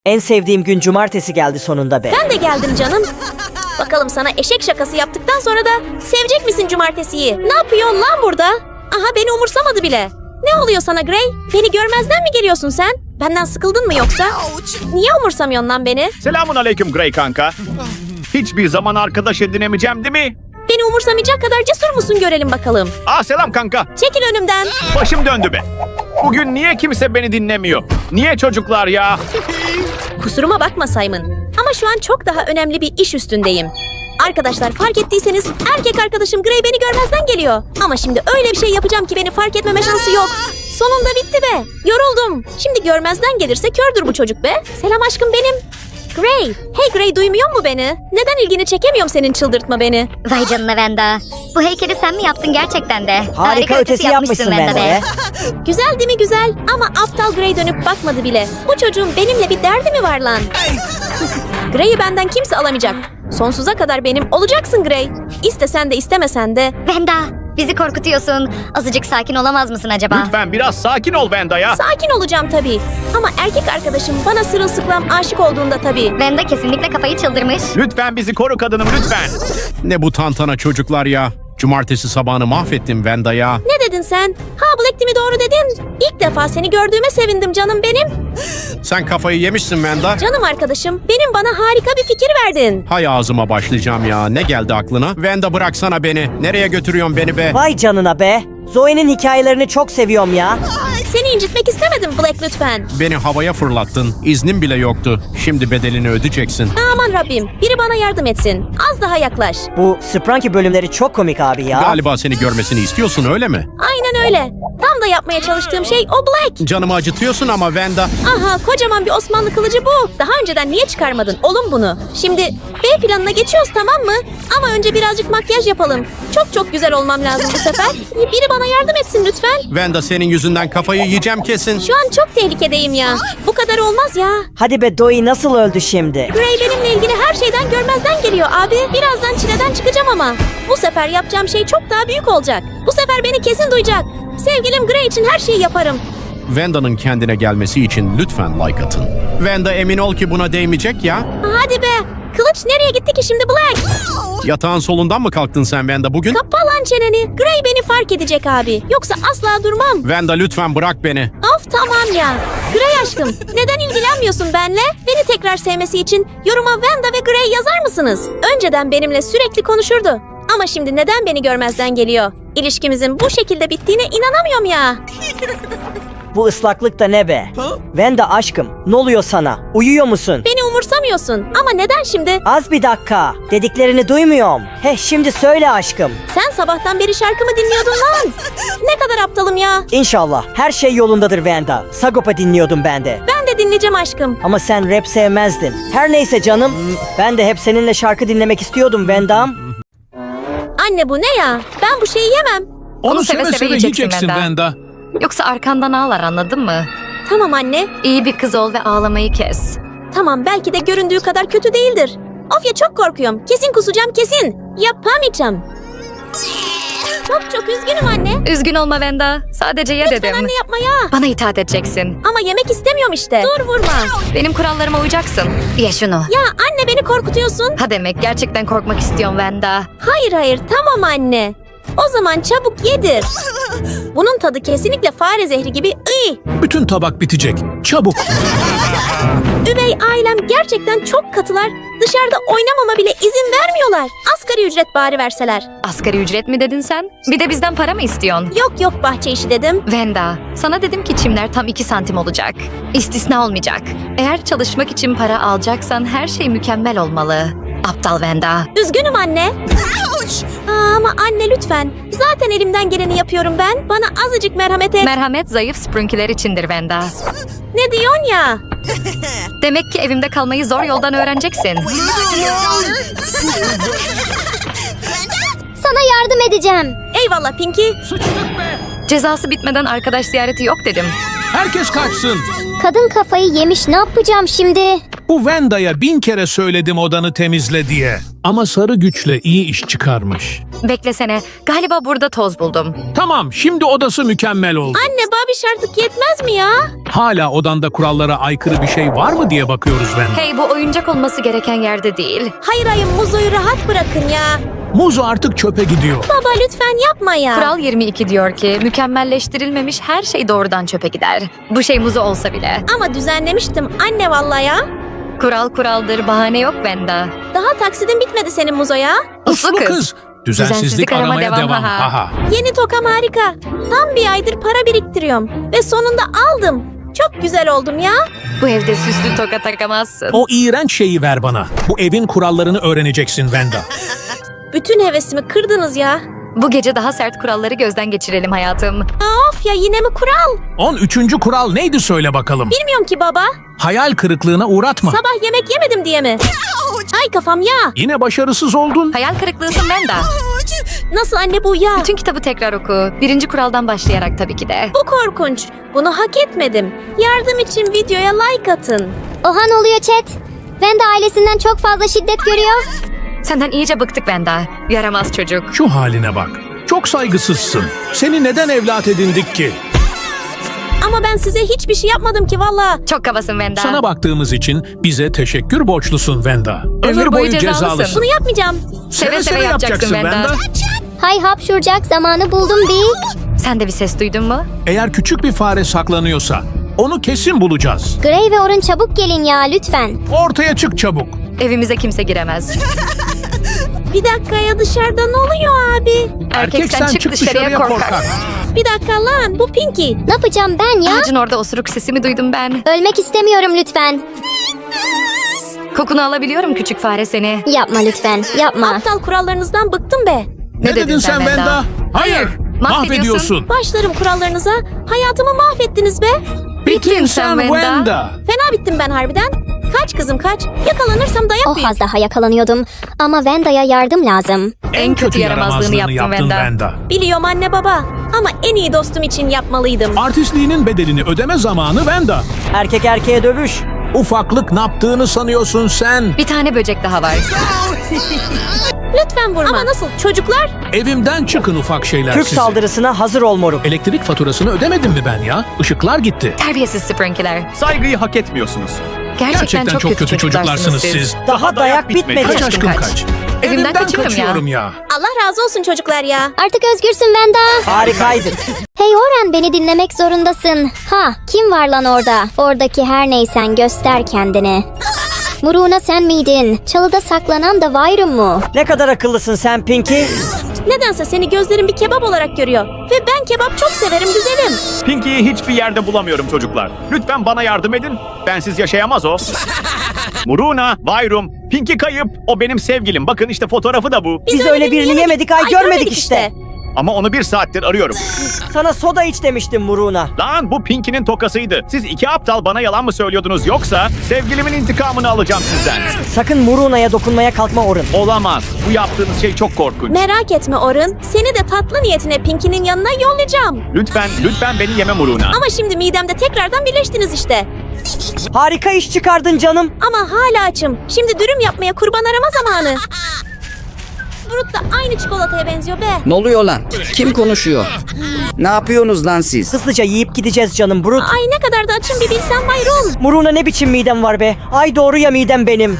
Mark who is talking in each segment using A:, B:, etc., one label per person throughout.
A: En sevdiğim gün cumartesi geldi sonunda be.
B: Ben de geldim canım. Bakalım sana eşek şakası yaptıktan sonra da sevecek misin cumartesiyi? Ne yapıyorsun lan burada? Aha beni umursamadı bile. Ne oluyor sana Gray? Beni görmezden mi geliyorsun sen? Benden sıkıldın mı yoksa? Niye umursamıyorsun lan beni?
C: Selamun aleyküm Gray kanka. Hiçbir zaman arkadaş edinemeyeceğim değil mi?
B: Beni umursamayacak kadar cesur musun görelim bakalım.
C: Selam kanka.
B: Çekil önümden.
C: Başım döndü be. Bugün niye kimse beni dinlemiyor? Niye çocuklar ya?
B: Kusuruma bakma Simon. Ama şu an çok daha önemli bir iş üstündeyim. Arkadaşlar fark ettiyseniz erkek arkadaşım Gray beni görmezden geliyor. Ama şimdi öyle bir şey yapacağım ki beni fark etmeme şansı yok. Sonunda bitti be. Yoruldum. Şimdi görmezden gelirse kördür bu çocuk be. Selam aşkım benim. Gray. Hey Gray, duymuyor mu beni? Neden ilgini çekemiyorum senin, çıldırtma beni.
D: Vay canına Venda. Bu heykeli sen mi yaptın gerçekten de?
A: Harika ötesi yapmışsın Venda be.
B: Güzel değil mi güzel? Ama aptal Gray dönüp bakmadı bile. Bu çocuğun benimle bir derdi mi var lan? Gray'i benden kimse alamayacak. Sonsuza kadar benim olacaksın Gray. İstesen de istemesen de.
D: Venda, bizi korkutuyorsun. Azıcık sakin olamaz mısın acaba?
C: Lütfen biraz sakin ol Venda ya.
B: Sakin olacağım tabii. Ama erkek arkadaşım bana sırılsıklam aşık olduğunda tabii.
D: Venda kesinlikle kafayı çıldırmış.
C: Lütfen bizi koru kadınım lütfen.
E: Ne bu tantana çocuklar ya? Cumartesi sabahını mahvettim Venda ya.
B: Ne dedin sen? Ha Black mi doğru dedin? İlk defa seni gördüğüme sevindim canım benim.
E: Sen kafayı yemişsin Venda.
B: Canım arkadaşım, benim bana harika bir fikir verdin.
E: Hay ağzıma başlayacağım ya. Ne geldi aklına? Venda bıraksana beni. Nereye götürüyorsun beni be?
A: Vay canına be. Zoe'nin hikayelerini çok seviyorum ya.
B: Seni incitmek istemedim Black lütfen.
E: Beni havaya fırlattın. İznim bile yoktu. Şimdi bedelini ödeyeceksin.
B: Aman Rabbim, biri bana yardım etsin. Az daha yaklaş.
A: Bu Spranky bölümleri çok komik abi ya.
E: Galiba seni görmesini istiyorsun öyle mi?
B: Aynen öyle. Tam da yapmaya çalıştığım şey o Black.
E: Canımı acıtıyorsun ama Venda.
B: Aha, kocaman bir Osmanlı kılıcı bu. Daha önceden niye çıkarmadın oğlum bunu? Şimdi B planına geçiyoruz, tamam mı? Ama önce birazcık makyaj yapalım. Çok güzel olmam lazım bu sefer. Biri bana yardım etsin lütfen.
E: Venda senin yüzünden kafayı yiyeceğim kesin.
B: Şu an çok tehlikedeyim ya. Bu kadar olmaz ya.
A: Hadi be, Zoe nasıl öldü şimdi?
B: Gray benimle ilgili her şeyden görmezden geliyor abi. Birazdan çileden çıkacağım ama. Bu sefer yapacağım şey çok daha büyük olacak. Bu sefer beni kesin duyacak. Sevgilim Gray için her şeyi yaparım.
E: Venda'nın kendine gelmesi için lütfen like atın. Venda emin ol ki buna değmeyecek ya.
B: Hadi be. Kılıç nereye gitti ki şimdi Black?
E: Yatağın solundan mı kalktın sen Venda bugün?
B: Kapa lan çeneni. Gray beni fark edecek abi. Yoksa asla durmam.
E: Venda lütfen bırak beni.
B: Of tamam ya. Gray aşkım, neden ilgilenmiyorsun benle? Beni tekrar sevmesi için yoruma Venda ve Gray yazar mısınız? Önceden benimle sürekli konuşurdu. Ama şimdi neden beni görmezden geliyor? İlişkimizin bu şekilde bittiğine inanamıyorum ya.
A: Bu ıslaklık da ne be? Venda aşkım, ne oluyor sana? Uyuyor musun?
B: Beni umursamıyorsun. Ama neden şimdi?
A: Az bir dakika. Dediklerini duymuyorum. Şimdi söyle aşkım.
B: Sen sabahtan beri şarkımı dinliyordun lan. Ne kadar aptalım ya.
A: İnşallah her şey yolundadır Venda. Sagopa dinliyordum ben de.
B: Ben de dinleyeceğim aşkım.
A: Ama sen rap sevmezdin. Her neyse canım. Ben de hep seninle şarkı dinlemek istiyordum Venda'm.
B: Anne bu ne ya? Ben bu şeyi yemem.
F: Onu seve seve yiyeceksin Venda.
G: Yoksa arkandan ağlar, anladın mı?
B: Tamam anne.
G: İyi bir kız ol ve ağlamayı kes.
B: Tamam, belki de göründüğü kadar kötü değildir. Of ya, çok korkuyorum. Kesin kusacağım, kesin. Yapamayacağım. Çok üzgünüm anne.
G: Üzgün olma Venda. Sadece ye
B: Lütfen
G: dedim.
B: anne yapma ya.
G: Bana itaat edeceksin.
B: Ama yemek istemiyorum işte. Dur vurma.
G: Benim kurallarıma uyacaksın. Ye şunu.
B: Ya anne, beni korkutuyorsun.
G: Ha demek gerçekten korkmak istiyorum Venda.
B: Hayır tamam anne. O zaman çabuk yedir. Bunun tadı kesinlikle fare zehri gibi.
F: Bütün tabak bitecek. Çabuk.
B: Üvey ailem gerçekten çok katılar. Dışarıda oynamama bile izin vermiyorlar. Asgari ücret bari verseler.
G: Asgari ücret mi dedin sen? Bir de bizden para mı istiyorsun?
B: Yok bahçe işi dedim.
G: Venda, sana dedim ki çimler tam 2 santim olacak. İstisna olmayacak. Eğer çalışmak için para alacaksan her şey mükemmel olmalı. Aptal Venda.
B: Üzgünüm anne. Ama anne lütfen. Zaten elimden geleni yapıyorum ben. Bana azıcık merhamet et.
G: Merhamet zayıf Sprunky'ler içindir Venda.
B: Ne diyorsun ya?
G: Demek ki evimde kalmayı zor yoldan öğreneceksin.
D: Sana yardım edeceğim.
B: Eyvallah Pinky.
G: Cezası bitmeden arkadaş ziyareti yok dedim.
F: Herkes kaçsın.
D: Kadın kafayı yemiş, ne yapacağım şimdi?
F: Bu Venda'ya 1000 kere söyledim odanı temizle diye. Ama sarı güçle iyi iş çıkarmış.
G: Beklesene. Galiba burada toz buldum.
F: Tamam, şimdi odası mükemmel oldu.
B: Anne babiş artık yetmez mi ya?
F: Hala odanda kurallara aykırı bir şey var mı diye bakıyoruz Wenda.
G: Hey, bu oyuncak olması gereken yerde değil.
B: Hayır ayım Muzo'yu rahat bırakın ya.
F: Muzo artık çöpe gidiyor.
B: Baba lütfen yapma ya.
G: Kural 22 diyor ki mükemmelleştirilmemiş her şey doğrudan çöpe gider. Bu şey muzu olsa bile.
B: Ama düzenlemiştim anne vallahi ya.
G: Kural kuraldır, bahane yok Wenda.
B: Daha taksidin bitmedi senin Muzo'ya.
G: Uslu kız.
F: Düzensizlik aramaya devam. Haha.
B: Yeni tokam harika. Tam bir aydır para biriktiriyorum. Ve sonunda aldım. Çok güzel oldum ya.
G: Bu evde süslü toka takamazsın.
F: O iğrenç şeyi ver bana. Bu evin kurallarını öğreneceksin Wenda.
B: Bütün hevesimi kırdınız ya.
G: Bu gece daha sert kuralları gözden geçirelim hayatım.
B: Of ya yine mi kural?
F: 13. kural neydi söyle bakalım.
B: Bilmiyorum ki baba.
F: Hayal kırıklığına uğratma.
B: Sabah yemek yemedim diye mi? Ay kafam ya.
F: Yine başarısız oldun.
G: Hayal kırıklığısın Wenda.
B: Nasıl anne bu ya?
G: Bütün kitabı tekrar oku. 1. kuraldan başlayarak tabii ki de.
B: Bu korkunç. Bunu hak etmedim. Yardım için videoya like atın.
D: Oha ne oluyor chat? Wenda ailesinden çok fazla şiddet görüyor.
G: Senden iyice bıktık Wenda. Yaramaz çocuk.
F: Şu haline bak. Çok saygısızsın. Seni neden evlat edindik ki?
B: Ama ben size hiçbir şey yapmadım ki valla.
G: Çok kabasın Wenda.
F: Sana baktığımız için bize teşekkür borçlusun Wenda.
G: Ömür boyu cezalısın.
B: Bunu yapmayacağım.
G: Seve seve yapacaksın Wenda.
D: Hay hapşuracak zamanı buldum bir.
G: Sen de bir ses duydun mu?
F: Eğer küçük bir fare saklanıyorsa onu kesin bulacağız.
D: Gray ve Orun çabuk gelin ya lütfen.
F: Ortaya çık çabuk.
G: Evimize kimse giremez.
B: Bir dakika ya dışarıda ne oluyor abi?
G: Erkeksen çık dışarıya korkak.
B: Bir dakika lan bu Pinky.
D: Ne yapacağım ben ya?
G: Ağacın orada osuruk sesimi duydum ben.
D: Ölmek istemiyorum lütfen.
G: Kokunu alabiliyorum küçük fare seni.
D: Yapma lütfen yapma.
B: Aptal kurallarınızdan bıktım be.
F: Ne dedin sen Wenda? Hayır. Mahvediyorsun.
B: Başlarım kurallarınıza. Hayatımı mahvettiniz be.
G: Bittin sen Wenda.
B: Fena bittim ben harbiden. Kaç kızım kaç. Yakalanırsam dayak
D: O
B: yiyeyim.
D: az daha yakalanıyordum. Ama Wenda'ya yardım lazım.
G: En kötü yaramazlığını yaptın Wenda.
B: Biliyorum anne baba. Ama en iyi dostum için yapmalıydım.
F: Artistliğinin bedelini ödeme zamanı Wenda.
A: Erkek erkeğe dövüş.
F: Ufaklık ne yaptığını sanıyorsun sen?
G: Bir tane böcek daha var.
B: Lütfen vurma. Ama nasıl? Çocuklar?
F: Evimden çıkın ufak şeyler
A: Türk
F: sizi.
A: saldırısına hazır ol moruk.
F: Elektrik faturasını ödemedim mi ben ya? Işıklar gitti.
G: Terbiyesiz Sprinky'ler.
C: Saygıyı hak etmiyorsunuz.
G: Gerçekten çok kötü çocuklarsınız siz.
A: Daha dayak bitmedi.
F: Kaç aşkım
G: kaç.
F: kaç.
G: Evimden kaçıyorum
F: kaçıyorum ya.
B: Allah razı olsun çocuklar ya.
D: Artık özgürsün Wenda.
A: Harikaydı.
D: Hey Oren beni dinlemek zorundasın. Ha kim var lan orada? Oradaki her neysen göster kendini. Muruna sen miydin? Çalıda saklanan da Vyrum mu?
A: Ne kadar akıllısın sen Pinky.
B: Nedense seni gözlerim bir kebap olarak görüyor. Ve ben kebap çok severim güzelim.
C: Pinky'yi hiçbir yerde bulamıyorum çocuklar. Lütfen bana yardım edin. Bensiz yaşayamaz o. Muruna, Vyrum, Pinky kayıp. O benim sevgilim. Bakın işte fotoğrafı da bu.
A: Biz öyle birini yemedik ay görmedik işte.
C: Ama onu 1 saattir arıyorum.
A: Sana soda iç demiştim Muruna.
C: Lan bu Pinky'nin tokasıydı. Siz iki aptal bana yalan mı söylüyordunuz yoksa sevgilimin intikamını alacağım sizden.
A: Sakın Muruna'ya dokunmaya kalkma Orun.
C: Olamaz. Bu yaptığınız şey çok korkunç.
B: Merak etme Orun. Seni de tatlı niyetine Pinky'nin yanına yollayacağım.
C: Lütfen beni yeme Muruna.
B: Ama şimdi midemde tekrardan birleştiniz işte.
A: Harika iş çıkardın canım.
B: Ama hala açım. Şimdi dürüm yapmaya kurban arama zamanı. Brut da aynı çikolataya benziyor be.
H: Ne oluyor lan? Kim konuşuyor? Ne yapıyorsunuz lan siz?
A: Hızlıca yiyip gideceğiz canım Brut.
B: Ay ne kadar da açım bir bilsen Byron.
A: Muruna ne biçim midem var be. Ay doğru ya midem benim.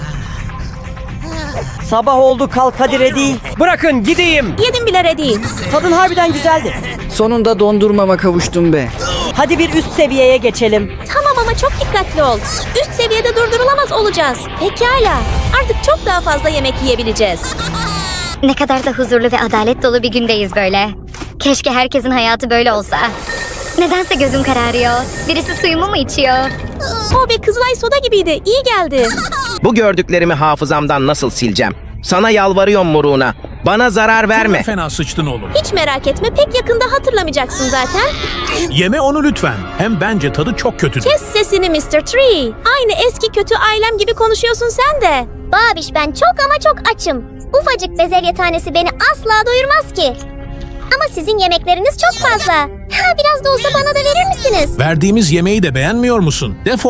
A: Sabah oldu kalk hadi ready.
I: Bırakın gideyim.
B: Yedim bile ready.
A: Tadın harbiden güzeldi.
H: Sonunda dondurmama kavuştum be.
A: Hadi bir üst seviyeye geçelim.
B: Tamam ama çok dikkatli ol. Üst seviyede durdurulamaz olacağız. Pekala. Artık çok daha fazla yemek yiyebileceğiz.
D: Ne kadar da huzurlu ve adalet dolu bir gündeyiz böyle. Keşke herkesin hayatı böyle olsa. Nedense gözüm kararıyor. Birisi suyumu mu içiyor?
B: O be Kızılay soda gibiydi. İyi geldi.
I: Bu gördüklerimi hafızamdan nasıl sileceğim? Sana yalvarıyorum Muruna. Bana zarar verme.
F: Çok fena sıçtın oğlum.
B: Hiç merak etme. Pek yakında hatırlamayacaksın zaten.
F: Yeme onu lütfen. Hem bence tadı çok kötü.
B: Kes sesini Mr. Tree. Aynı eski kötü ailem gibi konuşuyorsun sen de.
D: Babiş ben çok ama çok açım. Ufacık bezelye tanesi beni asla doyurmaz ki. Ama sizin yemekleriniz çok fazla. Ha biraz da olsa bana da verir misiniz?
F: Verdiğimiz yemeği de beğenmiyor musun? Defol.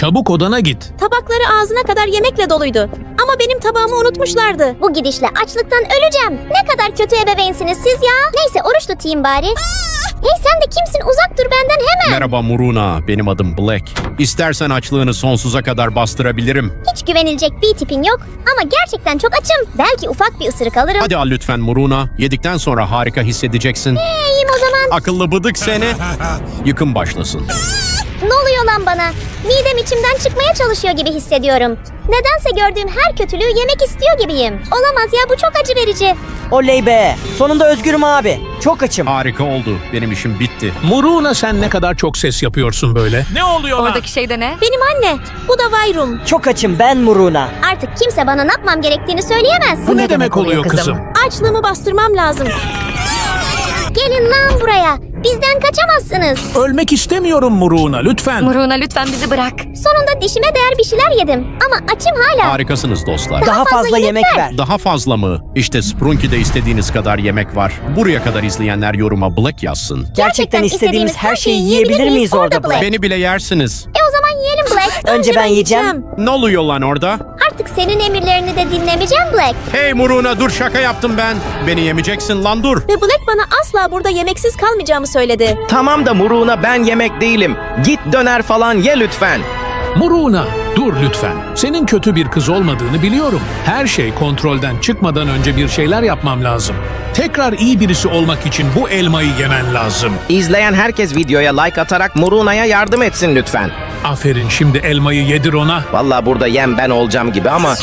F: Çabuk odana git.
B: Tabakları ağzına kadar yemekle doluydu. Ama benim tabağımı unutmuşlardı.
D: Bu gidişle açlıktan öleceğim. Ne kadar kötü ebeveynsiniz siz ya. Neyse oruç tutayım bari. Hey sen de kimsin? Uzak dur benden hemen.
E: Merhaba Muruna, benim adım Black. İstersen açlığını sonsuza kadar bastırabilirim.
D: Hiç güvenilecek bir tipin yok ama gerçekten çok açım. Belki ufak bir ısırık alırım.
E: Hadi al lütfen Muruna, yedikten sonra harika hissedeceksin.
D: İyiyim o zaman.
E: Akıllı bıdık seni. Yıkım başlasın.
D: Ne oluyor lan bana? Midem içimden çıkmaya çalışıyor gibi hissediyorum. Nedense gördüğüm her kötülüğü yemek istiyor gibiyim. Olamaz ya, bu çok acı verici.
A: Oley be. Sonunda özgürüm abi. Çok açım.
E: Harika oldu, benim işim bitti.
F: Muruna sen ne kadar çok ses yapıyorsun böyle.
C: Ne oluyor lan?
G: Oradaki şey de ne?
B: Benim anne. Bu da Vayrum.
A: Çok açım ben Muruna.
D: Artık kimse bana ne yapmam gerektiğini söyleyemez.
F: Bu ne demek oluyor kızım?
B: Açlığımı bastırmam lazım.
D: Gelin lan buraya. Bizden kaçamazsınız.
F: Ölmek istemiyorum Muruna, lütfen.
G: Muruna lütfen bizi bırak.
D: Sonunda dişime değer bir şeyler yedim. Ama açım hala.
E: Harikasınız dostlar.
A: Daha fazla yemek ver.
E: Daha fazla mı? İşte Sprunky'de istediğiniz kadar yemek var. Buraya kadar izleyenler yoruma Black yazsın.
A: Gerçekten istediğimiz her şeyi yiyebilir miyiz orada Black?
E: Beni bile yersiniz.
D: O zaman yiyelim Black.
A: Önce ben yiyeceğim.
E: Ne oluyor lan orada?
D: Artık senin emirlerini de dinlemeyeceğim Black.
E: Hey Muruna, dur, şaka yaptım ben. Beni yemeyeceksin lan, dur.
B: Ve Black bana asla burada yemeksiz kalmayacağımı söyledi.
I: Tamam da Muruna, ben yemek değilim. Git döner falan ye lütfen.
F: Muruna, dur lütfen. Senin kötü bir kız olmadığını biliyorum. Her şey kontrolden çıkmadan önce bir şeyler yapmam lazım. Tekrar iyi birisi olmak için bu elmayı yemen lazım.
I: İzleyen herkes videoya like atarak Muruna'ya yardım etsin lütfen.
F: Aferin, şimdi elmayı yedir ona.
I: Vallahi burada yem ben olacağım gibi ama...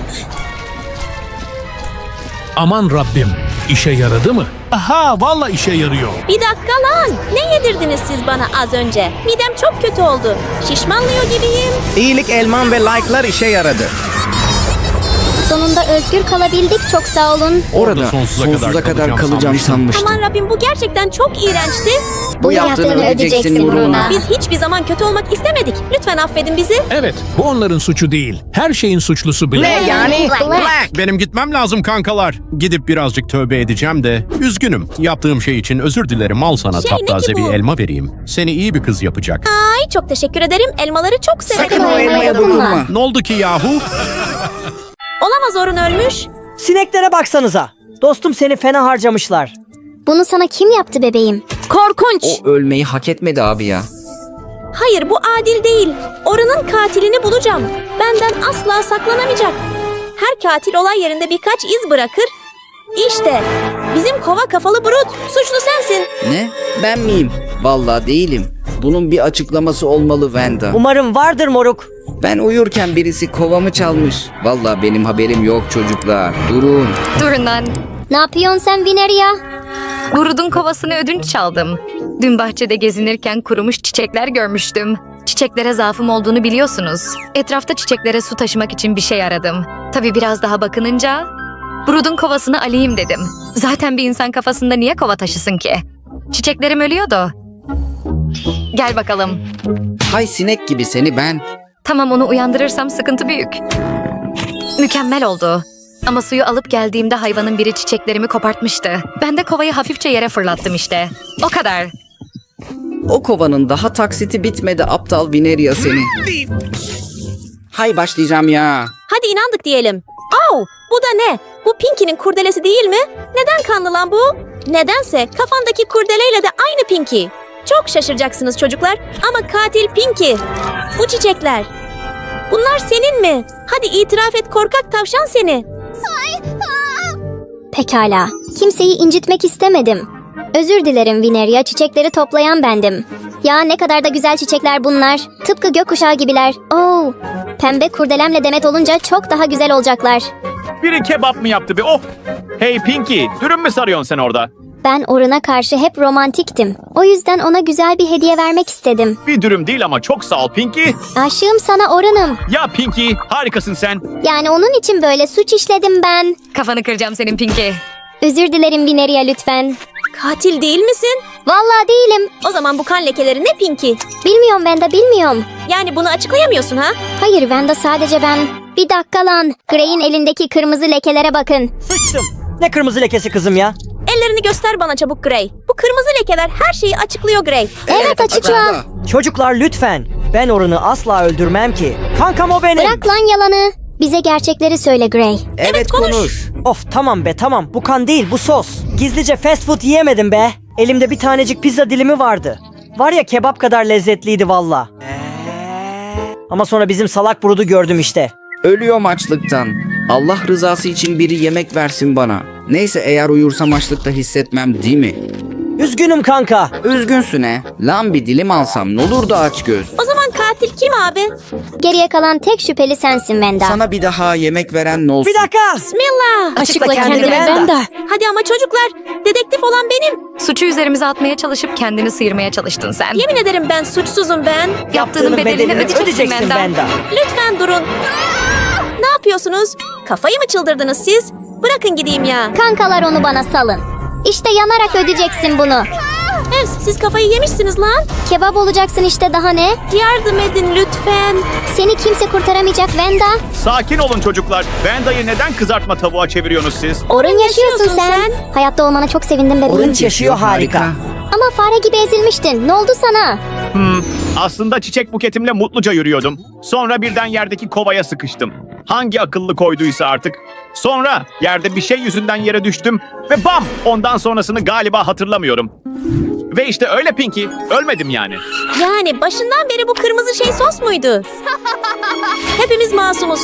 F: Aman Rabbim, işe yaradı mı? Aha, vallahi işe yarıyor.
B: Bir dakika lan. Ne yedirdiniz siz bana az önce? Midem çok kötü oldu. Şişmanlıyor gibiyim.
I: İyilik elman ve like'lar işe yaradı.
D: Sonunda özgür kalabildik, çok sağ olun.
H: Orada
E: sonsuza kadar
H: kalacağım sanmıştım.
B: Aman Rabbim, bu gerçekten çok iğrençti.
H: Bu yaptığını ödeyeceksin Muruna.
B: Biz hiçbir zaman kötü olmak istemedik. Lütfen affedin bizi.
F: Evet, bu onların suçu değil. Her şeyin suçlusu Black.
I: Ne yani?
D: Black.
E: Benim gitmem lazım kankalar. Gidip birazcık tövbe edeceğim de. Üzgünüm. Yaptığım şey için özür dilerim. Al sana
B: Şey, ne
E: taptaze
B: ki bu?
E: bir elma vereyim. Seni iyi bir kız yapacak.
B: Ay, çok teşekkür ederim. Elmaları çok severim.
H: Sakın o elmaya dokunma.
E: Ne oldu ki yahu?
B: Olamaz, Orun ölmüş.
A: Sineklere baksanıza. Dostum seni fena harcamışlar.
D: Bunu sana kim yaptı bebeğim?
B: Korkunç.
H: O ölmeyi hak etmedi abi ya.
B: Hayır, bu adil değil. Orun'un katilini bulacağım. Benden asla saklanamayacak. Her katil olay yerinde birkaç iz bırakır. İşte bizim kova kafalı Brut. Suçlu sensin.
H: Ne? Ben miyim? Vallahi değilim. Bunun bir açıklaması olmalı Vanda.
A: Umarım vardır moruk.
H: Ben uyurken birisi kovamı çalmış. Vallahi benim haberim yok çocuklar. Durun.
G: Durun lan.
D: Ne yapıyorsun sen Vineria?
G: Burud'un kovasını ödünç çaldım. Dün bahçede gezinirken kurumuş çiçekler görmüştüm. Çiçeklere zaafım olduğunu biliyorsunuz. Etrafta çiçeklere su taşımak için bir şey aradım. Tabii biraz daha bakınınca Burud'un kovasını alayım dedim. Zaten bir insan kafasında niye kova taşısın ki? Çiçeklerim ölüyordu. Gel bakalım.
H: Hay sinek gibi seni ben.
G: Tamam, onu uyandırırsam sıkıntı büyük. Mükemmel oldu. Ama suyu alıp geldiğimde hayvanın biri çiçeklerimi kopartmıştı. Ben de kovayı hafifçe yere fırlattım işte. O kadar.
H: O kovanın daha taksiti bitmedi aptal Vineria seni. Hay başlayacağım ya.
B: Hadi inandık diyelim. Au, bu da ne? Bu Pinky'nin kurdelesi değil mi? Neden kanlı lan bu? Nedense kafandaki kurdeleyle de aynı Pinky. Çok şaşıracaksınız çocuklar ama katil Pinky. Bu çiçekler. Bunlar senin mi? Hadi itiraf et korkak tavşan seni.
D: Pekala. Kimseyi incitmek istemedim. Özür dilerim Vineria, çiçekleri toplayan bendim. Ya ne kadar da güzel çiçekler bunlar. Tıpkı gökkuşağı gibiler. Oo, pembe kurdelemle demet olunca çok daha güzel olacaklar.
C: Biri kebap mı yaptı be? Oh! Hey Pinky, dürüm mü sarıyorsun sen orada?
D: Ben Orun'a karşı hep romantiktim. O yüzden ona güzel bir hediye vermek istedim.
C: Bir dürüm değil ama çok sağ ol Pinky.
D: Aşığım sana Orun'um.
C: Ya Pinky, harikasın sen.
D: Yani onun için böyle suç işledim ben.
G: Kafanı kıracağım senin Pinky.
D: Özür dilerim Vineria lütfen.
B: Katil değil misin?
D: Vallahi değilim.
B: O zaman bu kan lekeleri ne Pinky?
D: Bilmiyorum ben de bilmiyorum.
B: Yani bunu açıklayamıyorsun ha?
D: Hayır Vanda, sadece ben. Bir dakika lan. Gray'in elindeki kırmızı lekelere bakın.
A: Sıçtım. Ne kırmızı lekesi kızım ya?
B: Ellerini göster bana çabuk Gray. Bu kırmızı lekeler her şeyi açıklıyor Gray.
D: Evet açıkla.
A: Çocuklar lütfen. Ben Orun'u asla öldürmem ki. Kankam o benim.
D: Bırak lan yalanı. Bize gerçekleri söyle Gray.
H: Evet, konuş.
A: Of tamam be tamam. Bu kan değil bu sos. Gizlice fast food yiyemedim be. Elimde bir tanecik pizza dilimi vardı. Var ya kebap kadar lezzetliydi valla. Ama sonra bizim salak burudu gördüm işte.
H: Ölüyorum açlıktan. Allah rızası için biri yemek versin bana. Neyse eğer uyursam açlıkta hissetmem değil mi?
A: Üzgünüm kanka.
H: Üzgünsün he. Lan bir dilim alsam ne olur da aç göz.
B: O zaman katil kim abi?
D: Geriye kalan tek şüpheli sensin Wenda.
H: Sana bir daha yemek veren ne olsun?
A: Bir dakika.
B: Bismillah.
D: Açıkla
A: kendini
D: kendini
A: Wenda.
D: Wenda.
B: Hadi ama çocuklar, dedektif olan benim.
G: Suçu üzerimize atmaya çalışıp kendini sıyırmaya çalıştın sen.
B: Yemin ederim ben suçsuzum ben.
G: Yaptığının bedelini ödeyeceksin Wenda.
B: Lütfen durun. Ne yapıyorsunuz? Kafayı mı çıldırdınız siz? Bırakın gideyim ya.
D: Kankalar onu bana salın. İşte yanarak ödeyeceksin bunu.
B: Ev, siz kafayı yemişsiniz lan.
D: Kebap olacaksın işte daha ne?
B: Yardım edin lütfen.
D: Seni kimse kurtaramayacak Wenda.
C: Sakin olun çocuklar. Venda'yı neden kızartma tavuğa çeviriyorsunuz siz?
D: Orun yaşıyorsun
B: yaşıyorsun
D: sen. Hayatta olmana çok sevindim bebeğim.
A: Orun yaşıyor harika.
D: Ama fare gibi ezilmiştin. Ne oldu sana?
C: Aslında çiçek buketimle mutluca yürüyordum. Sonra birden yerdeki kovaya sıkıştım. Hangi akıllı koyduysa artık. Sonra yerde bir şey yüzünden yere düştüm ve bam! Ondan sonrasını galiba hatırlamıyorum. Ve işte öyle Pinky. Ölmedim yani.
B: Yani başından beri bu kırmızı şey sos muydu? Hepimiz masumuz.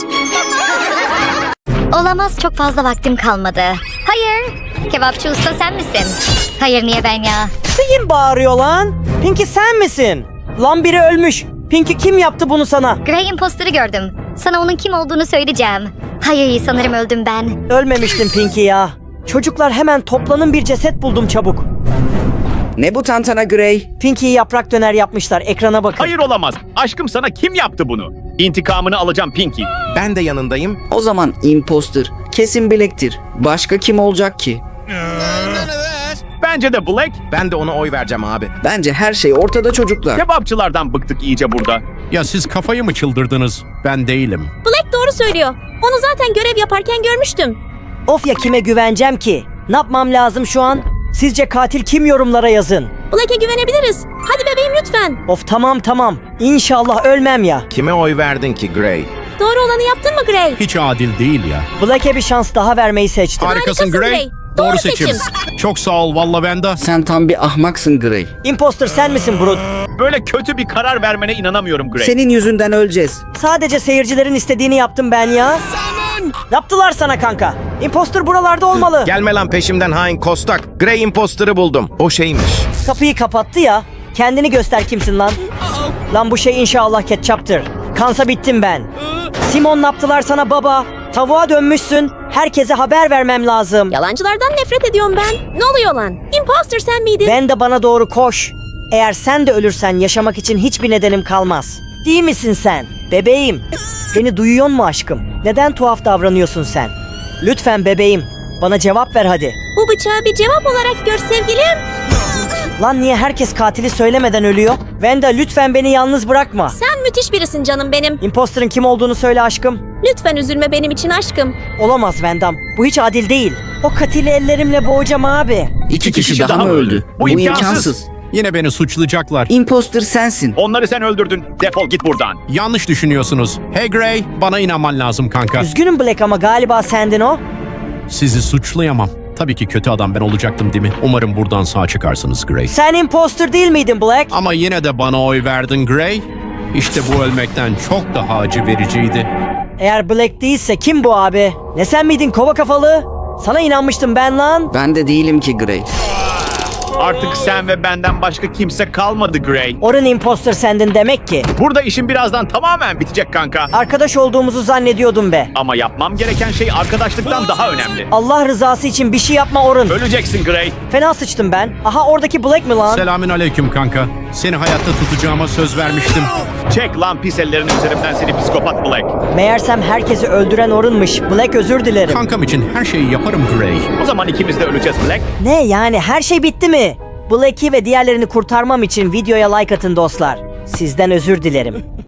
J: Olamaz, çok fazla vaktim kalmadı. Hayır. Kebapçı usta sen misin? Hayır, niye ben ya?
A: Kim bağırıyor lan? Pinky sen misin? Lan biri ölmüş. Pinky kim yaptı bunu sana?
J: Gray imposter'ı gördüm. Sana onun kim olduğunu söyleyeceğim. Hayır, sanırım öldüm ben.
A: Ölmemiştim Pinky ya. Çocuklar hemen toplanın, bir ceset buldum çabuk.
H: Ne bu tantana Gray?
A: Pinky'yi yaprak döner yapmışlar, ekrana bakın.
C: Hayır olamaz. Aşkım sana kim yaptı bunu? İntikamını alacağım Pinky.
I: Ben de yanındayım.
H: O zaman imposter. Kesin Black'tir. Başka kim olacak ki?
C: Bence de Black.
I: Ben de ona oy vereceğim abi.
H: Bence her şey ortada çocuklar.
C: Kebapçılardan bıktık iyice burada.
E: Ya siz kafayı mı çıldırdınız? Ben değilim.
B: Black doğru söylüyor. Onu zaten görev yaparken görmüştüm.
A: Of ya, kime güveneceğim ki? Ne yapmam lazım şu an? Sizce katil kim, yorumlara yazın.
B: Black'e güvenebiliriz. Hadi bebeğim lütfen.
A: Of tamam. İnşallah ölmem ya.
I: Kime oy verdin ki Gray?
B: Doğru olanı yaptın mı Gray?
E: Hiç adil değil ya.
A: Black'e bir şans daha vermeyi seçtim.
E: Harikasın
B: Gray.
E: Gray.
B: Doğru
E: Doğru seçim. Çok sağ ol valla Wenda.
H: Sen tam bir ahmaksın Gray.
A: Imposter sen misin Brut?
C: Böyle kötü bir karar vermene inanamıyorum Gray.
H: Senin yüzünden öleceğiz.
A: Sadece seyircilerin istediğini yaptım ben ya. Ne yaptılar sana kanka? Imposter buralarda olmalı.
I: Gelme lan peşimden hain kostak. Gray imposter'ı buldum. O şeymiş.
A: Kapıyı kapattı ya. Kendini göster kimsin lan? Lan bu şey inşallah ketçaptır. Kansa bittim ben. Simon ne yaptılar sana baba? Tavuğa dönmüşsün. Herkese haber vermem lazım.
B: Yalancılardan nefret ediyorum ben. Ne oluyor lan? Imposter sen miydin?
A: Ben de bana doğru koş. Eğer sen de ölürsen yaşamak için hiçbir nedenim kalmaz. Değil misin sen? Bebeğim. Beni duyuyor mu aşkım? Neden tuhaf davranıyorsun sen? Lütfen bebeğim. Bana cevap ver hadi.
B: Bu bıçağı bir cevap olarak gör sevgilim.
A: Lan niye herkes katili söylemeden ölüyor? Wenda lütfen beni yalnız bırakma.
B: Sen müthiş birisin canım benim.
A: Imposter'ın kim olduğunu söyle aşkım.
B: Lütfen üzülme benim için aşkım.
A: Olamaz Wendam. Bu hiç adil değil. O katili ellerimle boğacağım abi.
H: İki kişi daha mı öldü? Bu imkansız.
E: Yine beni suçlayacaklar.
H: Imposter sensin.
C: Onları sen öldürdün. Defol git buradan.
E: Yanlış düşünüyorsunuz. Hey Gray, bana inanman lazım kanka.
A: Üzgünüm Black ama galiba sendin o.
E: Sizi suçlayamam. Tabii ki kötü adam ben olacaktım değil mi? Umarım buradan sağ çıkarsınız Gray.
A: Sen imposter değil miydin Black?
E: Ama yine de bana oy verdin Gray. İşte bu ölmekten çok daha acı vericiydi.
A: Eğer Black değilse kim bu abi? Ne sen miydin kova kafalı? Sana inanmıştım ben lan.
H: Ben de değilim ki Gray.
C: Artık sen ve benden başka kimse kalmadı Gray.
A: Orun imposter sendin demek ki.
C: Burada işin birazdan tamamen bitecek kanka.
A: Arkadaş olduğumuzu zannediyordum be.
C: Ama yapmam gereken şey arkadaşlıktan daha önemli.
A: Allah rızası için bir şey yapma Orun.
C: Öleceksin Gray.
A: Fena sıçtım ben. Aha oradaki Black mi lan?
E: Selamün aleyküm kanka. Seni hayatta tutacağıma söz vermiştim.
C: Çek lan pis ellerini üzerimden seni psikopat Black.
A: Meğersem herkesi öldüren Orun'muş. Black özür dilerim.
E: Kankam için her şeyi yaparım Gray.
C: O zaman ikimiz de öleceğiz Black.
A: Ne yani her şey bitti mi? Black'i ve diğerlerini kurtarmam için videoya like atın dostlar. Sizden özür dilerim.